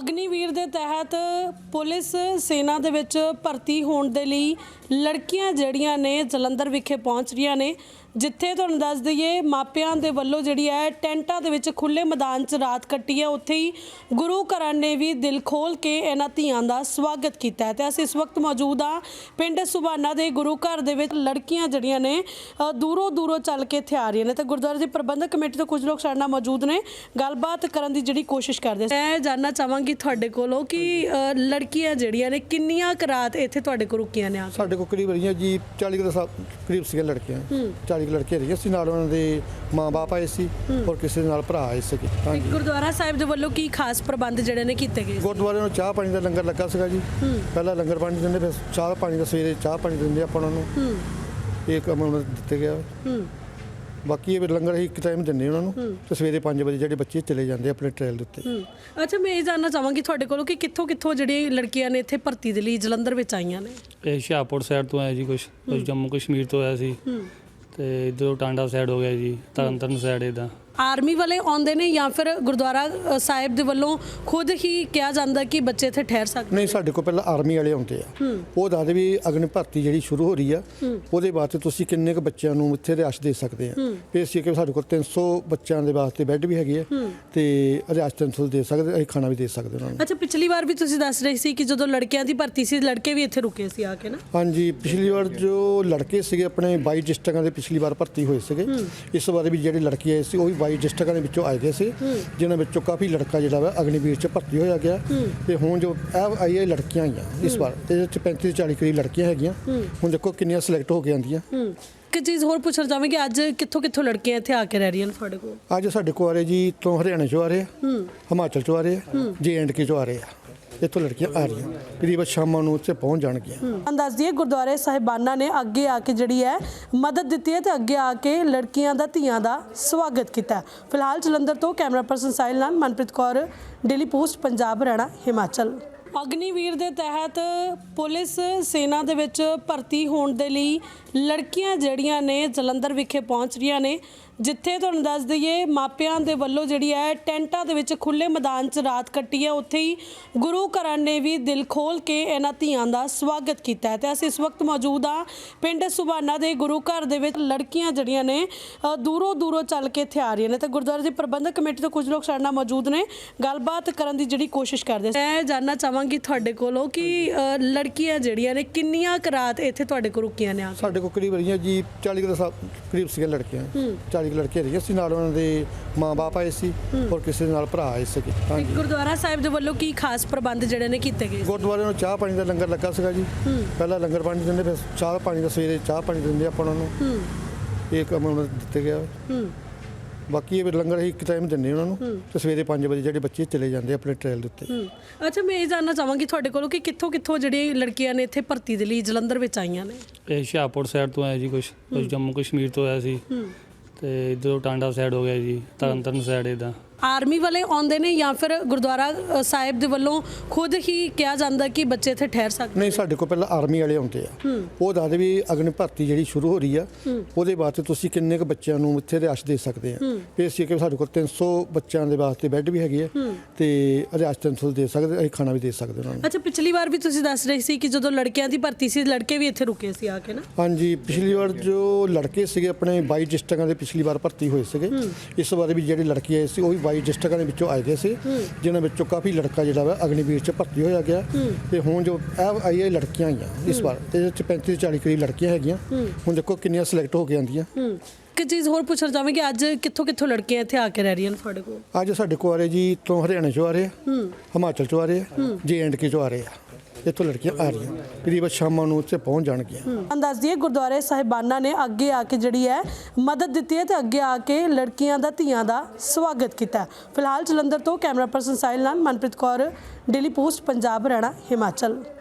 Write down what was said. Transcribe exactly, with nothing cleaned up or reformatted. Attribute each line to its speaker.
Speaker 1: ਅਗਨੀਵੀਰ ਦੇ ਤਹਿਤ ਪੁਲਿਸ ਸੈਨਾ ਦੇ ਵਿੱਚ ਭਰਤੀ ਹੋਣ ਦੇ ਲਈ ਲੜਕੀਆਂ ਜਿਹੜੀਆਂ ਨੇ ਜਲੰਧਰ ਵਿਖੇ ਪਹੁੰਚ ਰਹੀਆਂ ਨੇ, ਜਿੱਥੇ ਤੁਹਾਨੂੰ ਦੱਸ ਦਈਏ ਮਾਪਿਆਂ ਦੇ ਵੱਲੋਂ ਜਿਹੜੀ ਹੈ ਟੈਂਟਾਂ ਦੇ ਵਿੱਚ ਖੁੱਲੇ ਮੈਦਾਨ 'ਚ ਰਾਤ ਕੱਟੀ ਹੈ। ਉੱਥੇ ਹੀ ਗੁਰੂ ਘਰਾਂ ਨੇ ਵੀ ਦਿਲ ਖੋਲ ਕੇ ਇਹਨਾਂ ਧੀਆਂ ਦਾ ਸਵਾਗਤ ਕੀਤਾ ਹੈ। ਤੇ ਅਸੀਂ ਇਸ ਵਕਤ ਮੌਜੂਦ ਹਾਂ ਪਿੰਡ ਸੁਬਾਨਾ ਦੇ ਗੁਰੂ ਘਰ ਦੇ ਵਿੱਚ। ਲੜਕੀਆਂ ਜਿਹੜੀਆਂ ਨੇ ਦੂਰੋਂ ਦੂਰੋਂ ਚੱਲ ਕੇ ਇੱਥੇ ਆ ਰਹੀਆਂ ਨੇ ਤੇ ਗੁਰਦੁਆਰੇ ਦੀ ਪ੍ਰਬੰਧਕ ਕਮੇਟੀ ਤੋਂ ਕੁਝ ਲੋਕ ਸਾਡੇ ਨਾਲ ਮੌਜੂਦ ਨੇ, ਗੱਲਬਾਤ ਕਰਨ ਦੀ ਜਿਹੜੀ ਕੋਸ਼ਿਸ਼ ਕਰਦੇ। ਮੈਂ ਜਾਣਨਾ ਚਾਹਾਂਗੀ ਤੁਹਾਡੇ ਕੋਲੋਂ ਕਿ ਲੜਕੀਆਂ ਜਿਹੜੀਆਂ ਨੇ ਕਿੰਨੀਆਂ ਕੁ ਰਾਤ ਇੱਥੇ ਤੁਹਾਡੇ ਕੋਲ ਰੁਕੀਆਂ ਨੇ?
Speaker 2: ਸਾਡੇ ਕੋਲ ਕਰੀਬ ਰਹੀਆਂ ਜੀ ਚਾਲੀ ਦੇ ਕਰੀਬ ਸੀਗੇ ਲੜਕੀਆਂ, ਚਾਲੀ ਲੜਕੇ ਰਹੀਆਂ ਸੀ। ਨਾਲ ਉਹਨਾਂ ਦੇ ਮਾਂ-ਬਾਪ ਆਏ ਸੀ ਔਰ ਕਿਸੇ ਨਾਲ ਭਰਾ ਆਏ ਸੀ। ਹਾਂਜੀ,
Speaker 1: ਗੁਰਦੁਆਰਾ ਸਾਹਿਬ ਦੇ ਵੱਲੋਂ ਕੀ ਖਾਸ ਪ੍ਰਬੰਧ ਜਿਹੜੇ ਨੇ ਕੀਤੇ ਗਏ?
Speaker 2: ਗੁਰਦੁਆਰੇ ਨੂੰ ਚਾਹ ਪਾਣੀ ਦਾ ਲੰਗਰ ਲੱਗਾ ਸੀਗਾ ਜੀ। ਪਹਿਲਾਂ ਲੰਗਰ ਪਾਣੀ ਦਿੰਦੇ, ਫਿਰ ਚਾਹ ਪਾਣੀ ਦਾ ਸਵੇਰੇ ਚਾਹ ਪਾਣੀ ਦਿੰਦੇ ਆਪਾਂ ਉਹਨਾਂ ਨੂੰ, ਇਹ ਕੰਮ ਉਹਨਾਂ ਨੂੰ ਦਿੱਤੇ ਗਿਆ। ਬਾਕੀ ਇਹ ਲੰਗਰ ਅਸੀਂ ਇੱਕ ਟਾਈਮ ਦਿੰਦੇ ਉਹਨਾਂ ਨੂੰ ਤੇ ਸਵੇਰੇ ਪੰਜ ਵਜੇ ਜਿਹੜੇ ਬੱਚੇ ਚਲੇ ਜਾਂਦੇ ਆਪਣੇ ਟ੍ਰੇਲ ਦੇ ਉੱਤੇ।
Speaker 1: ਅੱਛਾ, ਮੈਂ ਇਹ ਜਾਣਨਾ ਚਾਹਾਂਗੀ ਤੁਹਾਡੇ ਕੋਲੋਂ ਕਿ ਕਿੱਥੋਂ ਕਿੱਥੋਂ ਜਿਹੜੀਆਂ ਲੜਕੀਆਂ ਨੇ ਇੱਥੇ ਭਰਤੀ ਦੇ ਲਈ ਜਲੰਧਰ ਵਿੱਚ ਆਈਆਂ ਨੇ?
Speaker 3: ਇਹ ਹੁਸ਼ਿਆਰਪੁਰ ਸਾਈਡ ਤੋਂ ਆਇਆ ਜੀ, ਕੁਛ ਕੁਛ ਜੰਮੂ ਕਸ਼ਮੀਰ ਤੋਂ ਆਇਆ ਸੀ ਤੇ ਇੱਧਰੋਂ ਟਾਂਡਾ ਸਾਈਡ ਹੋ ਗਿਆ ਜੀ, ਤਰਨਤਾਰਨ ਸਾਈਡ। ਇੱਦਾਂ
Speaker 1: ਆਰਮੀ ਵਾਲੇ ਆਉਂਦੇ ਨੇ ਜਾਂ ਫਿਰ ਗੁਰਦੁਆਰਾ ਸਾਹਿਬ ਦੇ ਵੱਲੋਂ ਖੁਦ ਹੀ ਕਿਹਾ ਜਾਂਦਾ ਕਿ ਬੱਚੇ ਇੱਥੇ ਠਹਿਰ ਸਕਦੇ?
Speaker 2: ਨਹੀਂ, ਸਾਡੇ ਕੋਲ ਪਹਿਲਾਂ ਆਰਮੀ ਵਾਲੇ ਆਉਂਦੇ ਆ। ਉਹ ਦੱਸਦੇ ਵੀ ਅਗਨੀ ਭਰਤੀ ਜਿਹੜੀ ਸ਼ੁਰੂ ਹੋ ਰਹੀ ਆ ਉਹਦੇ ਵਾਸਤੇ ਤੁਸੀਂ ਕਿੰਨੇ ਕੁ ਬੱਚਿਆਂ ਨੂੰ ਇੱਥੇ ਰਿਹਾਇਸ਼ ਦੇ ਸਕਦੇ ਆ। ਫਿਰ ਅਸੀਂ ਕਿ ਸਾਡੇ ਕੋਲ ਤਿੰਨ ਸੌ ਬੱਚਿਆਂ ਦੇ ਵਾਸਤੇ ਬੈੱਡ ਵੀ ਹੈਗੇ ਆ ਤੇ ਰਿਹਾਇਸ਼ ਤਿੰਨ ਸੌ ਦੇ ਸਕਦੇ, ਅਸੀਂ ਖਾਣਾ ਵੀ ਦੇ ਸਕਦੇ ਉਹਨਾਂ ਨੂੰ।
Speaker 1: ਅੱਛਾ, ਪਿਛਲੀ ਵਾਰ ਵੀ ਤੁਸੀਂ ਦੱਸ ਰਹੇ ਸੀ ਕਿ ਜਦੋਂ ਲੜਕਿਆਂ ਦੀ ਭਰਤੀ ਸੀ ਲੜਕੇ ਵੀ ਇੱਥੇ ਰੁਕੇ ਸੀ ਆ ਕੇ ਨਾ?
Speaker 2: ਹਾਂਜੀ, ਪਿਛਲੀ ਵਾਰ ਜੋ ਲੜਕੇ ਸੀਗੇ ਆਪਣੇ ਬਾਈ ਡਿਸਟ੍ਰਿਕਟਾਂ ਦੇ ਪਿਛਲੀ ਵਾਰ ਭਰਤੀ ਹੋਏ ਸੀਗੇ। ਇਸ ਵਾਰ ਵੀ ਜਿਹੜੇ ਲੜਕੇ ਆਏ ਸੀ ਉਹ ਵੀ ਬਾਈ ਡਿਸਟ੍ਰਿਕਟਾਂ ਦੇ ਵਿੱਚੋਂ ਆਏ ਗਏ ਸੀ, ਜਿਨ੍ਹਾਂ ਵਿੱਚੋਂ ਕਾਫੀ ਲੜਕਾ ਜਿਹੜਾ ਵਾ ਅਗਨੀਵੀਰ 'ਚ ਭਰਤੀ ਹੋਇਆ ਗਿਆ। ਤੇ ਹੁਣ ਜੋ ਇਹ ਆਈਆਂ ਲੜਕੀਆਂ ਆਈਆਂ ਇਸ ਵਾਰ, ਇਹਦੇ ਵਿੱਚ ਪੈਂਤੀ ਚਾਲੀ ਕਰੀਬ ਲੜਕੀਆਂ ਹੈਗੀਆਂ। ਹੁਣ ਦੇਖੋ ਕਿੰਨੀਆਂ ਸਿਲੈਕਟ ਹੋ ਕੇ ਆਉਂਦੀਆਂ।
Speaker 1: ਇੱਕ ਚੀਜ਼ ਹੋਰ ਪੁੱਛਣਾ ਚਾਹਾਂਗੇ, ਅੱਜ ਕਿੱਥੋਂ ਕਿੱਥੋਂ ਲੜਕੀਆਂ ਇੱਥੇ ਆ ਕੇ ਰਹਿ ਰਹੀਆਂ ਨੇ ਤੁਹਾਡੇ ਕੋਲ?
Speaker 2: ਅੱਜ ਸਾਡੇ ਕੋਲ ਆ ਰਹੇ ਜੀ ਤੋਂ ਹਰਿਆਣੇ 'ਚੋਂ ਆ ਰਹੇ ਆ, ਹਿਮਾਚਲ 'ਚੋਂ ਆ ਰਹੇ ਆ, ਜੇ ਐਂਡ ਕੇ 'ਚੋਂ ਆ ਰਹੇ ਆ। ਇੱਥੋਂ ਲੜਕੀਆਂ ਆ ਰਹੀਆਂ, ਕਰੀਬ ਸ਼ਾਮਾਂ ਨੂੰ ਉੱਥੇ ਪਹੁੰਚ ਜਾਣਗੀਆਂ।
Speaker 1: ਦੱਸ ਦਈਏ ਗੁਰਦੁਆਰੇ ਸਾਹਿਬਾਨਾਂ ਨੇ ਅੱਗੇ ਆ ਕੇ ਜਿਹੜੀ ਹੈ ਮਦਦ ਦਿੱਤੀ ਹੈ ਤੇ ਅੱਗੇ ਆ ਕੇ ਲੜਕੀਆਂ ਦਾ ਧੀਆਂ ਦਾ ਸਵਾਗਤ ਕੀਤਾ। ਫਿਲਹਾਲ ਜਲੰਧਰ ਤੋਂ ਕੈਮਰਾ ਪਰਸਨ ਸਾਹਿਲ ਨਾਲ ਮਨਪ੍ਰੀਤ ਕੌਰ, ਡੇਲੀ ਪੋਸਟ ਪੰਜਾਬ, ਹਰਿਆਣਾ, ਹਿਮਾਚਲ। ਅਗਨੀਵੀਰ ਦੇ ਤਹਿਤ ਪੁਲਿਸ ਸੈਨਾ ਦੇ ਵਿੱਚ ਭਰਤੀ ਹੋਣ ਦੇ ਲਈ ਲੜਕੀਆਂ ਜਿਹੜੀਆਂ ਨੇ ਜਲੰਧਰ ਵਿਖੇ ਪਹੁੰਚ ਰਹੀਆਂ ਨੇ, ਜਿੱਥੇ ਤੁਹਾਨੂੰ ਦੱਸ ਦਈਏ ਮਾਪਿਆਂ ਦੇ ਵੱਲੋਂ ਜਿਹੜੀ ਹੈ ਟੈਂਟਾਂ ਦੇ ਵਿੱਚ ਖੁੱਲੇ ਮੈਦਾਨ 'ਚ ਰਾਤ ਕੱਟੀ ਹੈ। ਉੱਥੇ ਹੀ ਗੁਰੂ ਘਰਾਂ ਨੇ ਵੀ ਦਿਲ ਖੋਲ ਕੇ ਇਹਨਾਂ ਧੀਆਂ ਦਾ ਸਵਾਗਤ ਕੀਤਾ ਹੈ। ਤੇ ਅਸੀਂ ਇਸ ਵਕਤ ਮੌਜੂਦ ਹਾਂ ਪਿੰਡ ਸੁਬਾਨਾ ਦੇ ਗੁਰੂ ਘਰ ਦੇ ਵਿੱਚ। ਲੜਕੀਆਂ ਜਿਹੜੀਆਂ ਨੇ ਦੂਰੋਂ ਦੂਰੋਂ ਚੱਲ ਕੇ ਇੱਥੇ ਆ ਰਹੀਆਂ ਨੇ ਤੇ ਗੁਰਦੁਆਰੇ ਦੀ ਪ੍ਰਬੰਧਕ ਕਮੇਟੀ ਤੋਂ ਕੁਝ ਲੋਕ ਸਾਡੇ ਨਾਲ ਮੌਜੂਦ ਨੇ, ਗੱਲਬਾਤ ਕਰਨ ਦੀ ਜਿਹੜੀ ਕੋਸ਼ਿਸ਼ ਕਰਦੇ। ਮੈਂ ਜਾਣਨਾ ਚਾਹਾਂਗੀ ਤੁਹਾਡੇ ਕੋਲੋਂ ਕਿ ਲੜਕੀਆਂ ਜਿਹੜੀਆਂ ਨੇ ਕਿੰਨੀਆਂ ਕੁ ਰਾਤ ਇੱਥੇ ਤੁਹਾਡੇ ਕੋਲ ਰੁਕੀਆਂ ਨੇ?
Speaker 2: ਸਾਡੇ ਕੋਲ ਕਰੀਬ ਰਹੀਆਂ ਜੀ ਚਾਲੀ ਦੇ ਕਰੀਬ ਸੀਗੇ ਲੜਕੀਆਂ, ਚਾਲੀ ਲੜਕੇ ਰਹੀਆਂ ਸੀ। ਨਾਲ ਉਹਨਾਂ ਦੇ ਮਾਂ-ਬਾਪ ਆਏ ਸੀ ਔਰ ਕਿਸੇ ਨਾਲ ਭਰਾ ਆਏ ਸੀ। ਹਾਂਜੀ,
Speaker 1: ਗੁਰਦੁਆਰਾ ਸਾਹਿਬ ਦੇ ਵੱਲੋਂ ਕੀ ਖਾਸ ਪ੍ਰਬੰਧ ਜਿਹੜੇ ਨੇ ਕੀਤੇ ਗਏ?
Speaker 2: ਗੁਰਦੁਆਰੇ ਨੂੰ ਚਾਹ ਪਾਣੀ ਦਾ ਲੰਗਰ ਲੱਗਾ ਸੀਗਾ ਜੀ। ਪਹਿਲਾਂ ਲੰਗਰ ਪਾਣੀ ਦਿੰਦੇ, ਫਿਰ ਚਾਹ ਪਾਣੀ ਦਾ ਸਵੇਰੇ ਚਾਹ ਪਾਣੀ ਦਿੰਦੇ ਆਪਾਂ ਉਹਨਾਂ ਨੂੰ, ਇਹ ਕੰਮ ਉਹਨਾਂ ਨੂੰ ਦਿੱਤੇ ਗਿਆ। ਬਾਕੀ ਇਹ ਲੰਗਰ ਅਸੀਂ ਇੱਕ ਟਾਈਮ ਦਿੰਦੇ ਉਹਨਾਂ ਨੂੰ ਤੇ ਸਵੇਰੇ ਪੰਜ ਵਜੇ ਜਿਹੜੇ ਬੱਚੇ ਚਲੇ ਜਾਂਦੇ ਆਪਣੇ ਟ੍ਰੇਲ ਦੇ ਉੱਤੇ।
Speaker 1: ਅੱਛਾ, ਮੈਂ ਇਹ ਜਾਣਨਾ ਚਾਹਾਂਗੀ ਤੁਹਾਡੇ ਕੋਲੋਂ ਕਿ ਕਿੱਥੋਂ ਕਿੱਥੋਂ ਜਿਹੜੀਆਂ ਲੜਕੀਆਂ ਨੇ ਇੱਥੇ ਭਰਤੀ ਦੇ ਲਈ ਜਲੰਧਰ ਵਿੱਚ ਆਈਆਂ ਨੇ?
Speaker 3: ਇਹ ਹੁਸ਼ਿਆਰਪੁਰ ਸਾਈਡ ਤੋਂ ਆਇਆ ਜੀ, ਕੁਛ ਕੁਛ ਜੰਮੂ ਕਸ਼ਮੀਰ ਤੋਂ ਆਇਆ ਸੀ ਤੇ ਇੱਧਰੋਂ ਟਾਂਡਾ ਸਾਈਡ ਹੋ ਗਿਆ ਜੀ, ਤਰਨਤਾਰਨ ਸਾਈਡ। ਇੱਦਾਂ
Speaker 1: ਆਰਮੀ ਵਾਲੇ ਆਉਂਦੇ ਨੇ ਜਾਂ ਫਿਰ ਗੁਰਦੁਆਰਾ ਸਾਹਿਬ ਦੇ ਵੱਲੋਂ ਖੁਦ ਹੀ ਕਿਹਾ ਜਾਂਦਾ ਕਿ ਬੱਚੇ ਇੱਥੇ ਠਹਿਰ ਸਕਦੇ?
Speaker 2: ਨਹੀਂ, ਸਾਡੇ ਕੋਲ ਪਹਿਲਾਂ ਆਰਮੀ ਵਾਲੇ ਆਉਂਦੇ ਆ। ਉਹ ਦੱਸਦੇ ਵੀ ਅਗਨੀ ਭਰਤੀ ਜਿਹੜੀ ਸ਼ੁਰੂ ਹੋ ਰਹੀ ਆ ਉਹਦੇ ਵਾਸਤੇ ਤੁਸੀਂ ਕਿੰਨੇ ਕੁ ਬੱਚਿਆਂ ਨੂੰ ਇੱਥੇ ਰਿਹਾਇਸ਼ ਦੇ ਸਕਦੇ ਆ। ਫਿਰ ਅਸੀਂ ਕਿ ਸਾਡੇ ਕੋਲ ਤਿੰਨ ਸੌ ਬੱਚਿਆਂ ਦੇ ਵਾਸਤੇ ਬੈੱਡ ਵੀ ਹੈਗੇ ਆ ਤੇ ਰਿਹਾਇਸ਼ ਤਿੰਨ ਸੌ ਦੇ ਸਕਦੇ, ਅਸੀਂ ਖਾਣਾ ਵੀ ਦੇ ਸਕਦੇ ਉਹਨਾਂ ਨੂੰ।
Speaker 1: ਅੱਛਾ, ਪਿਛਲੀ ਵਾਰ ਵੀ ਤੁਸੀਂ ਦੱਸ ਰਹੇ ਸੀ ਕਿ ਜਦੋਂ ਲੜਕਿਆਂ ਦੀ ਭਰਤੀ ਸੀ ਲੜਕੇ ਵੀ ਇੱਥੇ ਰੁਕੇ ਸੀ ਆ ਕੇ ਨਾ?
Speaker 2: ਹਾਂਜੀ, ਪਿਛਲੀ ਵਾਰ ਜੋ ਲੜਕੇ ਸੀਗੇ ਆਪਣੇ ਬਾਈ ਡਿਸਟ੍ਰਿਕਟਾਂ ਦੇ ਪਿਛਲੀ ਵਾਰ ਭਰਤੀ ਹੋਏ ਸੀਗੇ। ਇਸ ਵਾਰ ਵੀ ਜਿਹੜੇ ਲੜਕੇ ਆਏ ਸੀ ਉਹ ਵੀ ਬਾਈ ਡਿਸਟ੍ਰਿਕਟਾਂ ਦੇ ਵਿੱਚੋਂ ਆਏ ਗਏ ਸੀ, ਜਿਨ੍ਹਾਂ ਵਿੱਚੋਂ ਕਾਫੀ ਲੜਕਾ ਜਿਹੜਾ ਵਾ ਅਗਨੀਵੀਰ 'ਚ ਭਰਤੀ ਹੋਇਆ ਗਿਆ। ਤੇ ਹੁਣ ਜੋ ਇਹ ਆਈਆਂ ਲੜਕੀਆਂ ਆਈਆਂ ਇਸ ਵਾਰ, ਇਹਦੇ ਵਿੱਚ ਪੈਂਤੀ ਚਾਲੀ ਕਰੀਬ ਲੜਕੀਆਂ ਹੈਗੀਆਂ। ਹੁਣ ਦੇਖੋ ਕਿੰਨੀਆਂ ਸਿਲੈਕਟ ਹੋ ਕੇ ਆਉਂਦੀਆਂ।
Speaker 1: ਇੱਕ ਚੀਜ਼ ਹੋਰ ਪੁੱਛਣਾ ਚਾਹਾਂਗੇ, ਅੱਜ ਕਿੱਥੋਂ ਕਿੱਥੋਂ ਲੜਕੀਆਂ ਇੱਥੇ ਆ ਕੇ ਰਹਿ ਰਹੀਆਂ ਨੇ ਤੁਹਾਡੇ ਕੋਲ?
Speaker 2: ਅੱਜ ਸਾਡੇ ਕੋਲ ਆ ਰਹੇ ਜੀ ਤੋਂ ਹਰਿਆਣੇ 'ਚੋਂ ਆ ਰਹੇ ਆ, ਹਿਮਾਚਲ 'ਚੋਂ ਆ ਰਹੇ ਆ, ਜੇ ਐਂਡ ਕੇ 'ਚੋਂ ਆ ਰਹੇ ਆ। ਇੱਥੋਂ ਲੜਕੀਆਂ ਆ ਰਹੀਆਂ, ਕਰੀਬ ਸ਼ਾਮਾਂ ਨੂੰ ਉੱਥੇ ਪਹੁੰਚ ਜਾਣਗੀਆਂ।
Speaker 1: ਦੱਸ ਦਈਏ ਗੁਰਦੁਆਰੇ ਸਾਹਿਬਾਨਾਂ ਨੇ ਅੱਗੇ ਆ ਕੇ ਜਿਹੜੀ ਹੈ ਮਦਦ ਦਿੱਤੀ ਹੈ ਤੇ ਅੱਗੇ ਆ ਕੇ ਲੜਕੀਆਂ ਦਾ ਧੀਆਂ ਦਾ ਸਵਾਗਤ ਕੀਤਾ। ਫਿਲਹਾਲ ਜਲੰਧਰ ਤੋਂ ਕੈਮਰਾ ਪਰਸਨ ਸਾਹਿਲ ਨਾਲ ਮਨਪ੍ਰੀਤ ਕੌਰ, ਡੇਲੀ ਪੋਸਟ ਪੰਜਾਬ, ਹਰਿਆਣਾ, ਹਿਮਾਚਲ।